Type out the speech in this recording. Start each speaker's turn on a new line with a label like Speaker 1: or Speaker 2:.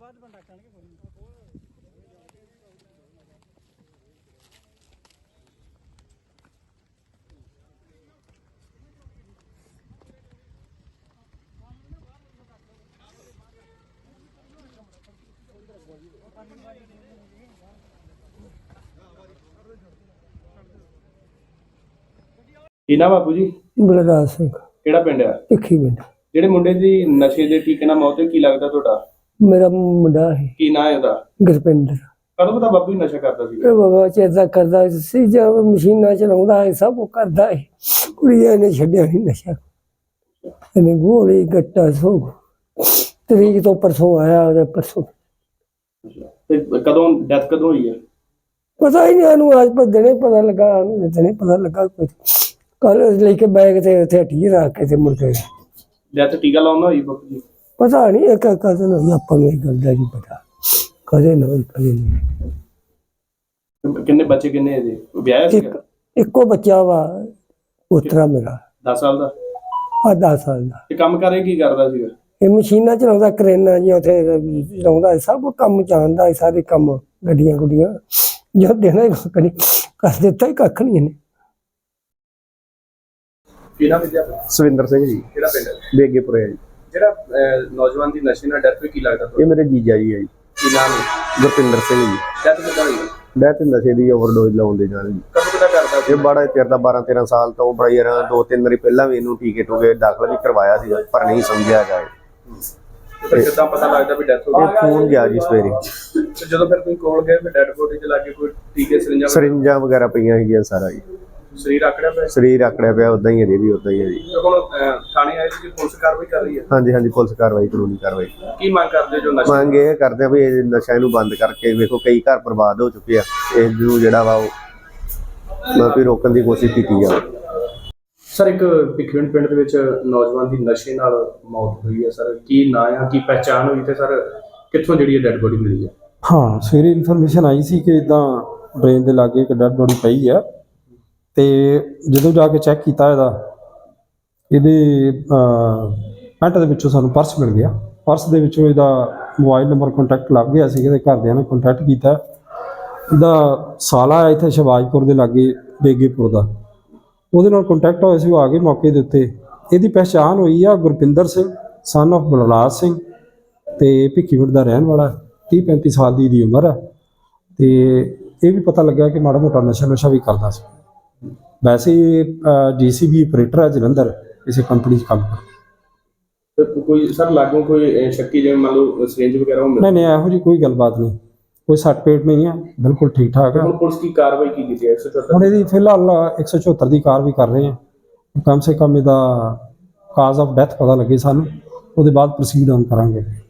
Speaker 1: ਕੀ ਨਾ ਬਾਪੂ ਜੀ?
Speaker 2: ਬਲਰਾਜ ਸਿੰਘ।
Speaker 1: ਕਿਹੜਾ ਪਿੰਡ ਆ?
Speaker 2: ਭਿੱਖੀ ਪਿੰਡ।
Speaker 1: ਜਿਹੜੇ ਮੁੰਡੇ ਦੀ ਨਸ਼ੇ ਦੇ ਟੀਕੇ ਨਾਲ ਮੌਤ ਹੋਈ, ਕੀ ਲੱਗਦਾ ਤੁਹਾਡਾ?
Speaker 2: ਮੇਰਾ ਮੁੰਡਾ ਹੈ।
Speaker 1: ਕੀ ਨਾਂ ਹੈ ਉਹਦਾ?
Speaker 2: ਗੁਰਪਿੰਦਰ।
Speaker 1: ਕਦੋਂ ਪਤਾ ਬਾਪੂ ਜੀ ਨਸ਼ਾ ਕਰਦਾ ਸੀ?
Speaker 2: ਇਹ ਬਾਬਾ ਚੇਤਾ ਕਰਦਾ ਸੀ, ਜਦ ਮਸ਼ੀਨਾਂ ਚਲਾਉਂਦਾ ਹੈ, ਸਭ ਕੁਛ ਕਰਦਾ ਹੈ। ਕੁੜੀਆਂ ਨੇ ਛੱਡਿਆ ਨਹੀਂ ਨਸ਼ਾ। ਇਹਨੇ ਗੋਲੀ ਗੱਟਾ ਸੋ ਤਰੀਕ ਤੋਂ ਪਰਸੋਂ ਆਇਆ, ਉਹਦੇ ਪਰਸੋਂ।
Speaker 1: ਤੇ ਕਦੋਂ ਡੈਥ ਕਦੋਂ ਹੋਈ ਹੈ?
Speaker 2: ਪਤਾ ਹੀ ਨਹੀਂ ਇਹਨੂੰ, ਅੱਜ ਪਰ ਦਿਨੇ ਪਤਾ ਲੱਗਾ, ਦਿਨੇ ਪਤਾ ਲੱਗਾ। ਕੱਲ ਲੈ ਕੇ ਬੈਗ ਤੇ ਉੱਥੇ ਹੱਟੀ ਰੱਖ ਕੇ ਤੇ ਮੁੜ ਕੇ
Speaker 1: ਡੈਥ ਟੀਕਾ ਲਾਉਣਾ ਹੋਈ ਬਾਪੂ ਜੀ?
Speaker 2: ਪਤਾ ਨਹੀਂ, ਇੱਕ ਕਦਨ ਹੋਈ, ਆਪਾਂ ਨੂੰ ਇਹ ਗੱਲ ਦਾ ਨਹੀਂ ਪਤਾ, ਕਦੇ ਨਾ ਹੋਈ ਕਦੇ ਨਹੀਂ।
Speaker 1: ਕਿੰਨੇ ਬੱਚੇ, ਕਿੰਨੇ ਇਹਦੇ? ਵਿਆਹਿਆ ਸੀਗਾ?
Speaker 2: ਇੱਕੋ ਬੱਚਾ ਵਾ ਪੁੱਤਰਾ ਮੇਰਾ।
Speaker 1: 10 ਸਾਲ ਦਾ?
Speaker 2: 10 ਸਾਲ ਦਾ।
Speaker 1: ਤੇ ਕੰਮ ਕਰੇ ਕੀ ਕਰਦਾ ਸੀਗਾ?
Speaker 2: ਇਹ ਮਸ਼ੀਨਾਂ ਚਲਾਉਂਦਾ, ਕਰੇਨਾਂ ਜੀ ਉੱਥੇ ਚਲਾਉਂਦਾ, ਸਭ ਕੰਮ ਜਾਣਦਾ, ਸਾਰੇ ਕੰਮ, ਗੱਡੀਆਂ ਗੁੱਡੀਆਂ ਜੋ ਦੇਣਾ ਹੀ ਕੱਖ ਨਹੀਂ ਕਰ ਦਿੱਤਾ, ਹੀ ਕੱਖ ਨਹੀਂ ਇਹਨੇ।
Speaker 1: ਕੀ ਨਾਮ ਹੈ?
Speaker 3: ਸਵਿੰਦਰ ਸਿੰਘ ਜੀ।
Speaker 1: ਕਿਹੜਾ ਪਿੰਡ?
Speaker 3: ਬੇਗੇਪੁਰੇ ਜੀ।
Speaker 1: ਜਿਹੜਾ ਨੌਜਵਾਨ ਦੀ ਨਸ਼ੇ ਨਾਲ ਡੈਥ ਹੋਈ, ਕੀ ਲੱਗਦਾ ਤੁਹਾਨੂੰ?
Speaker 3: ਇਹ ਮੇਰੇ ਜੀਜਾ ਜੀ ਹੈ ਜੀ।
Speaker 1: ਕੀ ਨਾਮ ਹੈ?
Speaker 3: ਗੁਰਪਿੰਦਰ ਸਿੰਘ ਜੀ।
Speaker 1: ਡੈਥ ਕਿੱਦਾਂ ਹੋਈ?
Speaker 3: ਡੈਥ ਨਸ਼ੇ ਦੀ ਓਵਰਡੋਜ਼ ਲਾਉਣ ਦੇ ਨਾਲ ਜੀ।
Speaker 1: ਕਦੋਂ ਕਿੱਦਾਂ ਕਰਦਾ ਸੀ?
Speaker 3: ਇਹ ਬੜਾ ਚਿਰ ਦਾ 12-13 ਸਾਲ ਤੋਂ ਬੜਾ ਯਾਰ 2-3 ਵਾਰੀ ਪਹਿਲਾਂ ਵੀ ਇਹਨੂੰ ਟੀਕੇ ਟੂਕੇ ਦਾਖਲ ਵੀ ਕਰਵਾਇਆ ਸੀ, ਪਰ ਨਹੀਂ ਸਮਝਿਆ ਗਿਆ।
Speaker 1: ਫਿਰ ਕਿੱਦਾਂ ਪਤਾ ਲੱਗਦਾ ਵੀ ਡੈਥ ਹੋ
Speaker 3: ਇਹ ਫੋਨ ਗਿਆ ਜੀ ਸਵੇਰੇ।
Speaker 1: ਤੇ ਜਦੋਂ ਫਿਰ ਤੁਸੀਂ ਕੋਲ ਗਏ, ਫਿਰ ਡੈਡ ਬੋਡੀ 'ਚ ਲੱਗੇ ਕੋਈ ਟੀਕੇ,
Speaker 3: ਸਰਿੰਜਾਂ ਵਗੈਰਾ ਪਈਆਂ ਸੀਗੀਆਂ, ਸਾਰਾ ਜੀ
Speaker 1: ਸਰੀਰ ਆਕੜਿਆ ਪਿਆ?
Speaker 3: ਸਰੀਰ ਆਕੜਿਆ ਪਿਆ, ਉਦਾਂ ਹੀ ਇਹਦੇ ਵੀ ਉਦਾਂ ਹੀ ਹੈ ਜੀ।
Speaker 1: ਤੇ ਹੁਣ ਥਾਣੇ ਆਏ ਸੀ, ਪੁਲਿਸ ਕਾਰਵਾਈ ਕਰ ਰਹੀ ਹੈ?
Speaker 3: ਹਾਂਜੀ ਹਾਂਜੀ, ਪੁਲਿਸ ਕਾਰਵਾਈ, ਕਾਨੂੰਨੀ ਕਾਰਵਾਈ।
Speaker 1: ਕੀ ਮੰਗ ਕਰਦੇ ਜੋ ਨਸ਼ਾ?
Speaker 3: ਮੰਗ ਇਹ ਕਰਦੇ ਆ ਵੀ ਇਹ ਨਸ਼ਾ ਇਹਨੂੰ ਬੰਦ ਕਰਕੇ, ਵੇਖੋ ਕਈ ਘਰ ਬਰਬਾਦ ਹੋ ਚੁੱਕੇ ਆ, ਇਸ ਨੂੰ ਜਿਹੜਾ ਵਾ ਉਹ ਵੀ ਰੋਕਣ ਦੀ ਕੋਸ਼ਿਸ਼ ਕੀਤੀ ਜਾਵੇ।
Speaker 1: ਸਰ, ਇੱਕ ਭਿੱਖੀਵਿੰਡ ਪਿੰਡ ਦੇ ਵਿੱਚ ਨੌਜਵਾਨ ਦੀ ਨਸ਼ੇ ਨਾਲ ਮੌਤ ਹੋਈ ਹੈ ਸਰ, ਕੀ ਨਾਂ ਆ, ਕੀ ਪਹਿਚਾਣ ਹੋਈ, ਤੇ ਸਰ ਕਿੱਥੋਂ ਜਿਹੜੀ ਇਹ ਡੈਡ ਬੋਡੀ ਮਿਲੀ ਹੈ?
Speaker 4: ਹਾਂ, ਸਵੇਰੇ ਇਨਫੋਰਮੇਸ਼ਨ ਆਈ ਸੀ ਕਿ ਇਦਾਂ ਡਰੇਨ ਦੇ ਲਾਗੇ ਇੱਕ ਡੈਡ ਬੋਡੀ ਪਈ ਹੈ, ਤੇ ਜਦੋਂ ਜਾ ਕੇ ਚੈੱਕ ਕੀਤਾ ਇਹਦੇ ਪੈਂਟ ਦੇ ਵਿੱਚੋਂ ਸਾਨੂੰ ਪਰਸ ਮਿਲ ਗਿਆ। ਪਰਸ ਦੇ ਵਿੱਚੋਂ ਇਹਦਾ ਮੋਬਾਈਲ ਨੰਬਰ ਕੰਟੈਕਟ ਲੱਗ ਗਿਆ ਸੀ, ਇਹਦੇ ਘਰਦਿਆਂ ਨੇ ਕੰਟੈਕਟ ਕੀਤਾ। ਇਹਦਾ ਸਾਲਾ ਹੈ ਇੱਥੇ ਸ਼ਿਵਾਜਪੁਰ ਦੇ ਲਾਗੇ ਬੇਗੇਪੁਰ ਦਾ, ਉਹਦੇ ਨਾਲ ਕੰਟੈਕਟ ਹੋਇਆ ਸੀ, ਉਹ ਆ ਗਏ ਮੌਕੇ ਦੇ ਉੱਤੇ। ਇਹਦੀ ਪਹਿਚਾਣ ਹੋਈ ਆ ਗੁਰਪਿੰਦਰ ਸਿੰਘ ਸਨ ਆਫ ਬਲਰਾਜ ਸਿੰਘ, ਤੇ ਭਿੱਖੀਵਿੰਡ ਦਾ ਰਹਿਣ ਵਾਲਾ, 30-35 ਸਾਲ ਦੀ ਇਹਦੀ ਉਮਰ ਹੈ। ਤੇ ਇਹ ਵੀ ਪਤਾ ਲੱਗਾ ਕਿ ਮਾੜਾ ਮੋਟਾ ਨਸ਼ਾ ਵੀ ਕਰਦਾ ਸੀ। ਵੈਸੇ DCB ਆਪਰੇਟਰ ਹੈ ਜਲੰਧਰ, ਕਿਸੇ ਕੰਪਨੀ 'ਚ ਕੰਮ ਕਰਦਾ।
Speaker 1: ਕੋਈ ਸਰ ਲਾਗੋਂ ਕੋਈ ਸ਼ੱਕੀ, ਜਿਵੇਂ ਮੰਨ ਲਓ ਸਿਰਿੰਜ ਵਗੈਰਾ?
Speaker 4: ਨਹੀਂ, ਇਹੋ ਜਿਹੀ ਕੋਈ ਗੱਲਬਾਤ ਨਹੀਂ, ਕੋਈ ਸੱਟ ਪੇਟ ਨਹੀਂ ਹੈ, ਬਿਲਕੁਲ ਠੀਕ ਠਾਕ ਹੈ।
Speaker 1: ਹੁਣ ਪੁਲਿਸ ਕੀ ਕਾਰਵਾਈ ਕੀ ਕੀਤੀ ਹੈ? 174
Speaker 4: ਹੁਣ ਇਹਦੀ ਫਿਲਹਾਲ 174 ਦੀ ਕਾਰਵਾਈ ਕਰ ਰਹੇ ਹਾਂ। ਕਮ ਸੇ ਕਮ ਇਹਦਾ ਕਾਜ਼ ਆਫ ਡੈਥ ਪਤਾ ਲੱਗੇ ਸਾਨੂੰ, ਉਹਦੇ ਬਾਅਦ ਪ੍ਰੋਸੀਡ on ਕਰਾਂਗੇ।